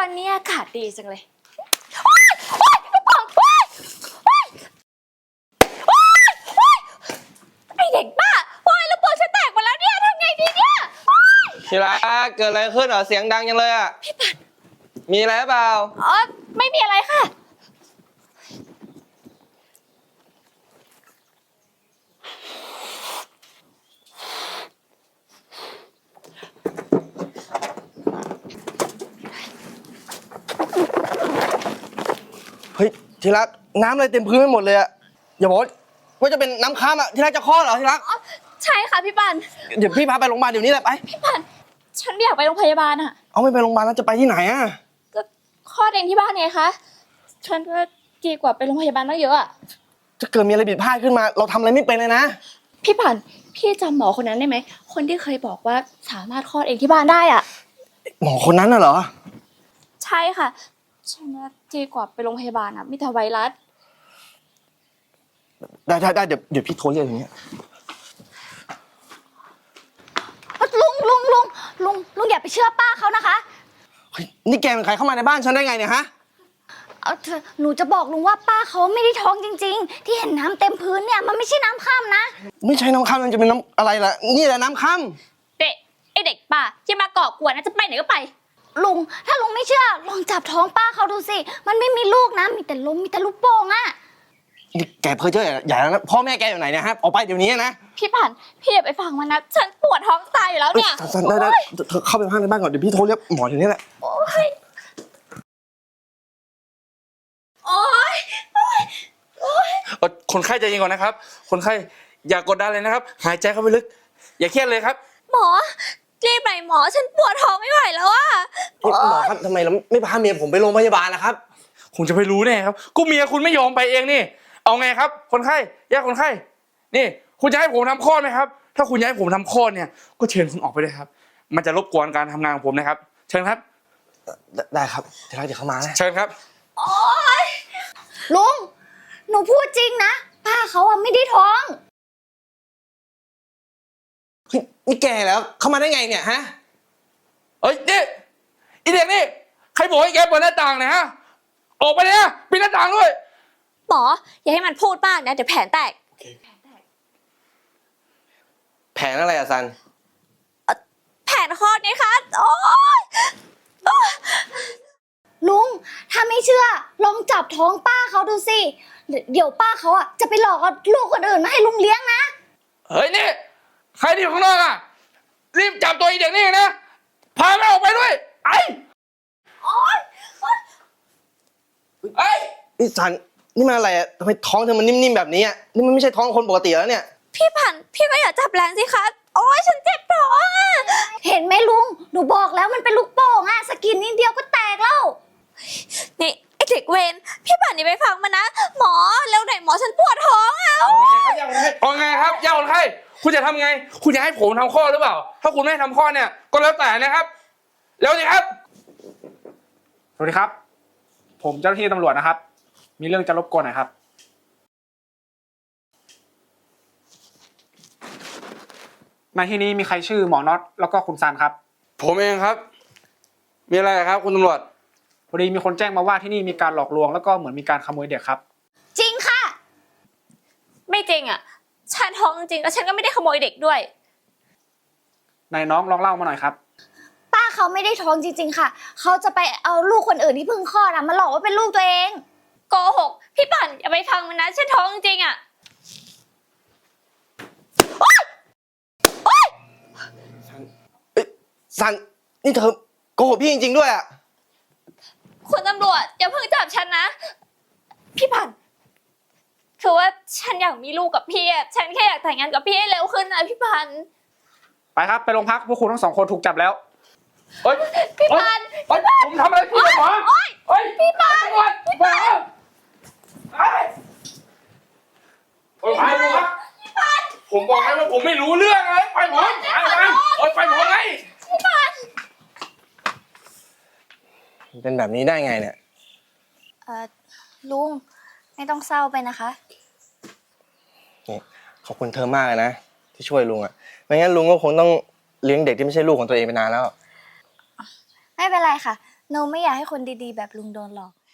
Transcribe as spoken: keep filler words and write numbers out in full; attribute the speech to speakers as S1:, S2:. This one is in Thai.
S1: วันนี้อากาศดีจังเลยไอเด็กบ้าโอ้ยแล้วปอฉันแตกหมดแล้วเนี่ยทำไงดีเนี่ย
S2: ทีละเกิดอะไรขึ้นเหรอเสียงดังจังเลยอ่ะพี่ปัดมีอะไรเปล่า
S1: อ๋อไม่มีอะไรค่ะ
S2: เฮ้ยทีละน้ำอะไรเต็มพื้นไปหมดเลยอ่ะอย่าบอกว่าจะเป็นน้ำค้างอ่ะทีละจะคลอดเหรอทีละ
S1: ใช่ค่ะพี่ปัน
S2: เดี๋ยวพี่พาไปโรงพยาบาลเดี๋ยวนี้แหละไป
S1: พี่ปันฉันไม่อยากไปโรงพยาบาลอ่ะ
S2: เอาไม่ไปโรงพยาบาลแล้วจะไปที่ไหนอ่ะ
S1: ก็คลอดเองที่บ้านไงคะฉันก็ดีกว่าไปโรงพยาบาลตั้งเยอะอ่ะ
S2: จะเกิดมีอะไรผิดพลาดขึ้นมาเราทำอะไรไม่เป็นเลยนะ
S1: พี่ปันพี่จำหมอคนนั้นได้ไหมคนที่เคยบอกว่าสามารถคลอดเองที่บ้านได้อ่ะ
S2: หมอคนนั้นน่ะเหรอ
S1: ใช่ค่ะฉันว่าดีกว่าไปโรงพยาบาลอ่ะมีแต่ไวรัส
S2: ได้ได้ได้เดี๋ยวเดี๋ยวพี่โทรเรียกอย่างเงี้ย
S1: ลุงลุงลุงลุงลุงอย่าไปเชื่อป้าเขานะคะ
S2: เฮ้ยนี่แกเป็นใครเข้ามาในบ้านฉันได้ไงเนี่ยฮะ
S1: เอาเถอะหนูจะบอกลุงว่าป้าเขาไม่ได้ท้องจริงๆที่เห็นน้ำเต็มพื้นเนี่ยมันไม่ใช่น้ำค่ำนะ
S2: ไม่ใช่น้ำค่ำมันจะเป็นน้ำอะไรล่ะนี่แหละน้ำค่
S1: ำเด็กไอเด็กป่าที่มาก่อกวนนะจะไปไหนก็ไปลุงถ้าลุงไม่เชื่อลองจับท้องป้าเขาดูสิมันไม่มีลูกนะมีแต่ลมมีแต่ลูกโป่งอะ
S2: นี่แกเพ้อเจ้ออย่านะพ่อแม่แกอยู่ไหนเนี่ยฮะออกไปเดี๋ยวนี้นะ
S1: พี่ผ่านพี่อย่าไปฟังมันนะฉันปวดท้องตายอยู่แล้วเนี่ย
S2: สันได้ได้เธอเข้าไปข้างในบ้านก่อนเดี๋ยวพี่โทรเรียกหมอเดี๋ยวนี้แหละ
S1: โอ้ยโอ้ยโอ้ย
S3: คนไข้ใจเย็นก่อนนะครับคนไข้อย่ากดดันเลยนะครับหายใจเข้าไปลึกอย่าเครียดเลยครับ
S1: หมอรีบไปหมอฉันปวดท้องไม่ไหวแล้วอะ
S2: หมอครับทำไมเราไม่พาเมียผมไปโรงพยาบาลล่ะครับ
S3: คุณจะไปรู้แน่ครับก็เมียคุณไม่ยอมไปเองนี่เอาไงครับคนไข้แยกคนไข้นี่คุณจะให้ผมทำคลอดไหมครับถ้าคุณอยากให้ผมทำคลอดเนี่ยก็เชิญคุณออกไปเลยครับมันจะรบกวนการทำงานของผมนะครับเชิญครับ
S2: ได้ครับเดี๋ยวเราจะเข้ามานะ
S3: เชิญครับ
S1: โอ๊ยลุงหนูพูดจริงนะป้าเขาอะไม่ได้ท้อง
S2: เฮ้ยนี่แกแล้วเข้ามาได้ไงเนี่ยฮะ
S3: เฮ้ยนี่อีเด็กนี่ใครบอกให้แกเปิดหน้าต่างเนี่ยฮะออกไปเลยนะปิดหน้าต่างด้วย
S1: หมออย่าให้มันพูดมากนะเดี๋ยวแผนแตก
S2: แผนอะไรอะซัน
S1: แผนคลอดนี่คะโอ๊ยลุงถ้าไม่เชื่อลองจับท้องป้าเขาดูสิเดี๋ยวป้าเขาอ่ะจะไปหลอกเอาลูกคนอื่นมาให้ลุงเลี้ยงนะ
S3: เฮ้ยนี่ใครที่อยู่ข้างนอกอ่ะรีบจับตัวอีเด็กนี่นะพามันออกไปด้วยไอ้
S1: โอ๊ย
S3: ไอ้
S2: นี่ซันนี่มันอะไรอะทำไมท้องเธอมันนิ่มๆแบบนี้อะนี่มันไม่ใช่ท้องคนปกติแล้วเนี่ย
S1: พี่ผันพี่ก็อย่าจับแรงสิคะโอ๊ยฉันเจ็บท้องอ่ะเห็นไหมลุงหนูบอกแล้วมันเป็นลูกโป่งอ่ะสกินนิดเดียวก็แตกแล้วนี่ไอเด็กเวรพี่ผันนี่ไปฟังมันนะหมอเร็วหน่อยหมอฉันปวดท้องอ่ะ
S3: เอาไงครับย่าคนไข้คุณจะทำไงคุณจะให้ผมทำข้อหรือเปล่าถ้าคุณไม่ทำข้อเนี่ยก็แล้วแต่นะครับแล้วสิครับ
S4: สวัสดีครับผมเจ้าหน้าที่ตำรวจนะครับมีเรื่องจะรบกวนหน่อยครับในที่นี้มีใครชื่อหมอน็อตแล้วก็คุณซันครับ
S3: ผมเองครับมีอะไรครับคุณตำรวจ
S4: พอดีมีคนแจ้งมาว่าที่นี่มีการหลอกลวงแล้วก็เหมือนมีการขโมยเด็กครับ
S1: จริงค่ะไม่จริงอ่ะฉันท้องจริงแล้วฉันก็ไม่ได้ขโมยเด็กด้วย
S4: นายน้องลองเล่ามาหน่อยครับ
S1: ป้าเขาไม่ได้ท้องจริงๆค่ะเขาจะไปเอาลูกคนอื่นที่เพิ่งคลอดอ่ะมาหลอกว่าเป็นลูกตัวเองโกหกพี่ปั่นอย่าไปฟังมันนะฉันท้องจริงอ่ะโอ๊ยโอ๊ย
S2: ซันนี่เธอโกหกพี่จริงๆด้วยอะ
S1: คุณตำรวจอย่าเพิ่งจับฉันนะพี่ปั่นคือว่าฉันอยากมีลูกกับพี่อ่ะฉันแค่อยากแต่งงานกับพี่ให้เร็วขึ้นนะพี่ปั่น
S4: ไปครับไปโรงพักพวกคุณทั้งสองคนถูกจับแล้ว
S3: เฮ้ย
S1: พี่ปั่น
S3: ผมทำอะไรพี่หมอ
S1: เฮ้ยพี่ปั่น
S3: พี่ปั่นไอ้ไปผมครับผมบอกให้ว่าผมไม่รู้เรื่องอะไรไปผมไปไปเอ้ยไปผมไง
S1: พี่ปั่น
S2: เป็นแบบนี้ได้ไงเนี่ย
S1: เอ่อลุงไม่ต้องเศร้าไปนะคะ
S2: นี่ขอบคุณเธอมากเลยนะที่ช่วยลุงอ่ะไม่งั้นลุงก็คงต้องเลี้ยงเด็กที่ไม่ใช่ลูกของตัวเองไปนานแล้ว
S1: ไม่เป็นไรค่ะโนไม่อยากให้คนดีๆ แบบลุงโดนหลอก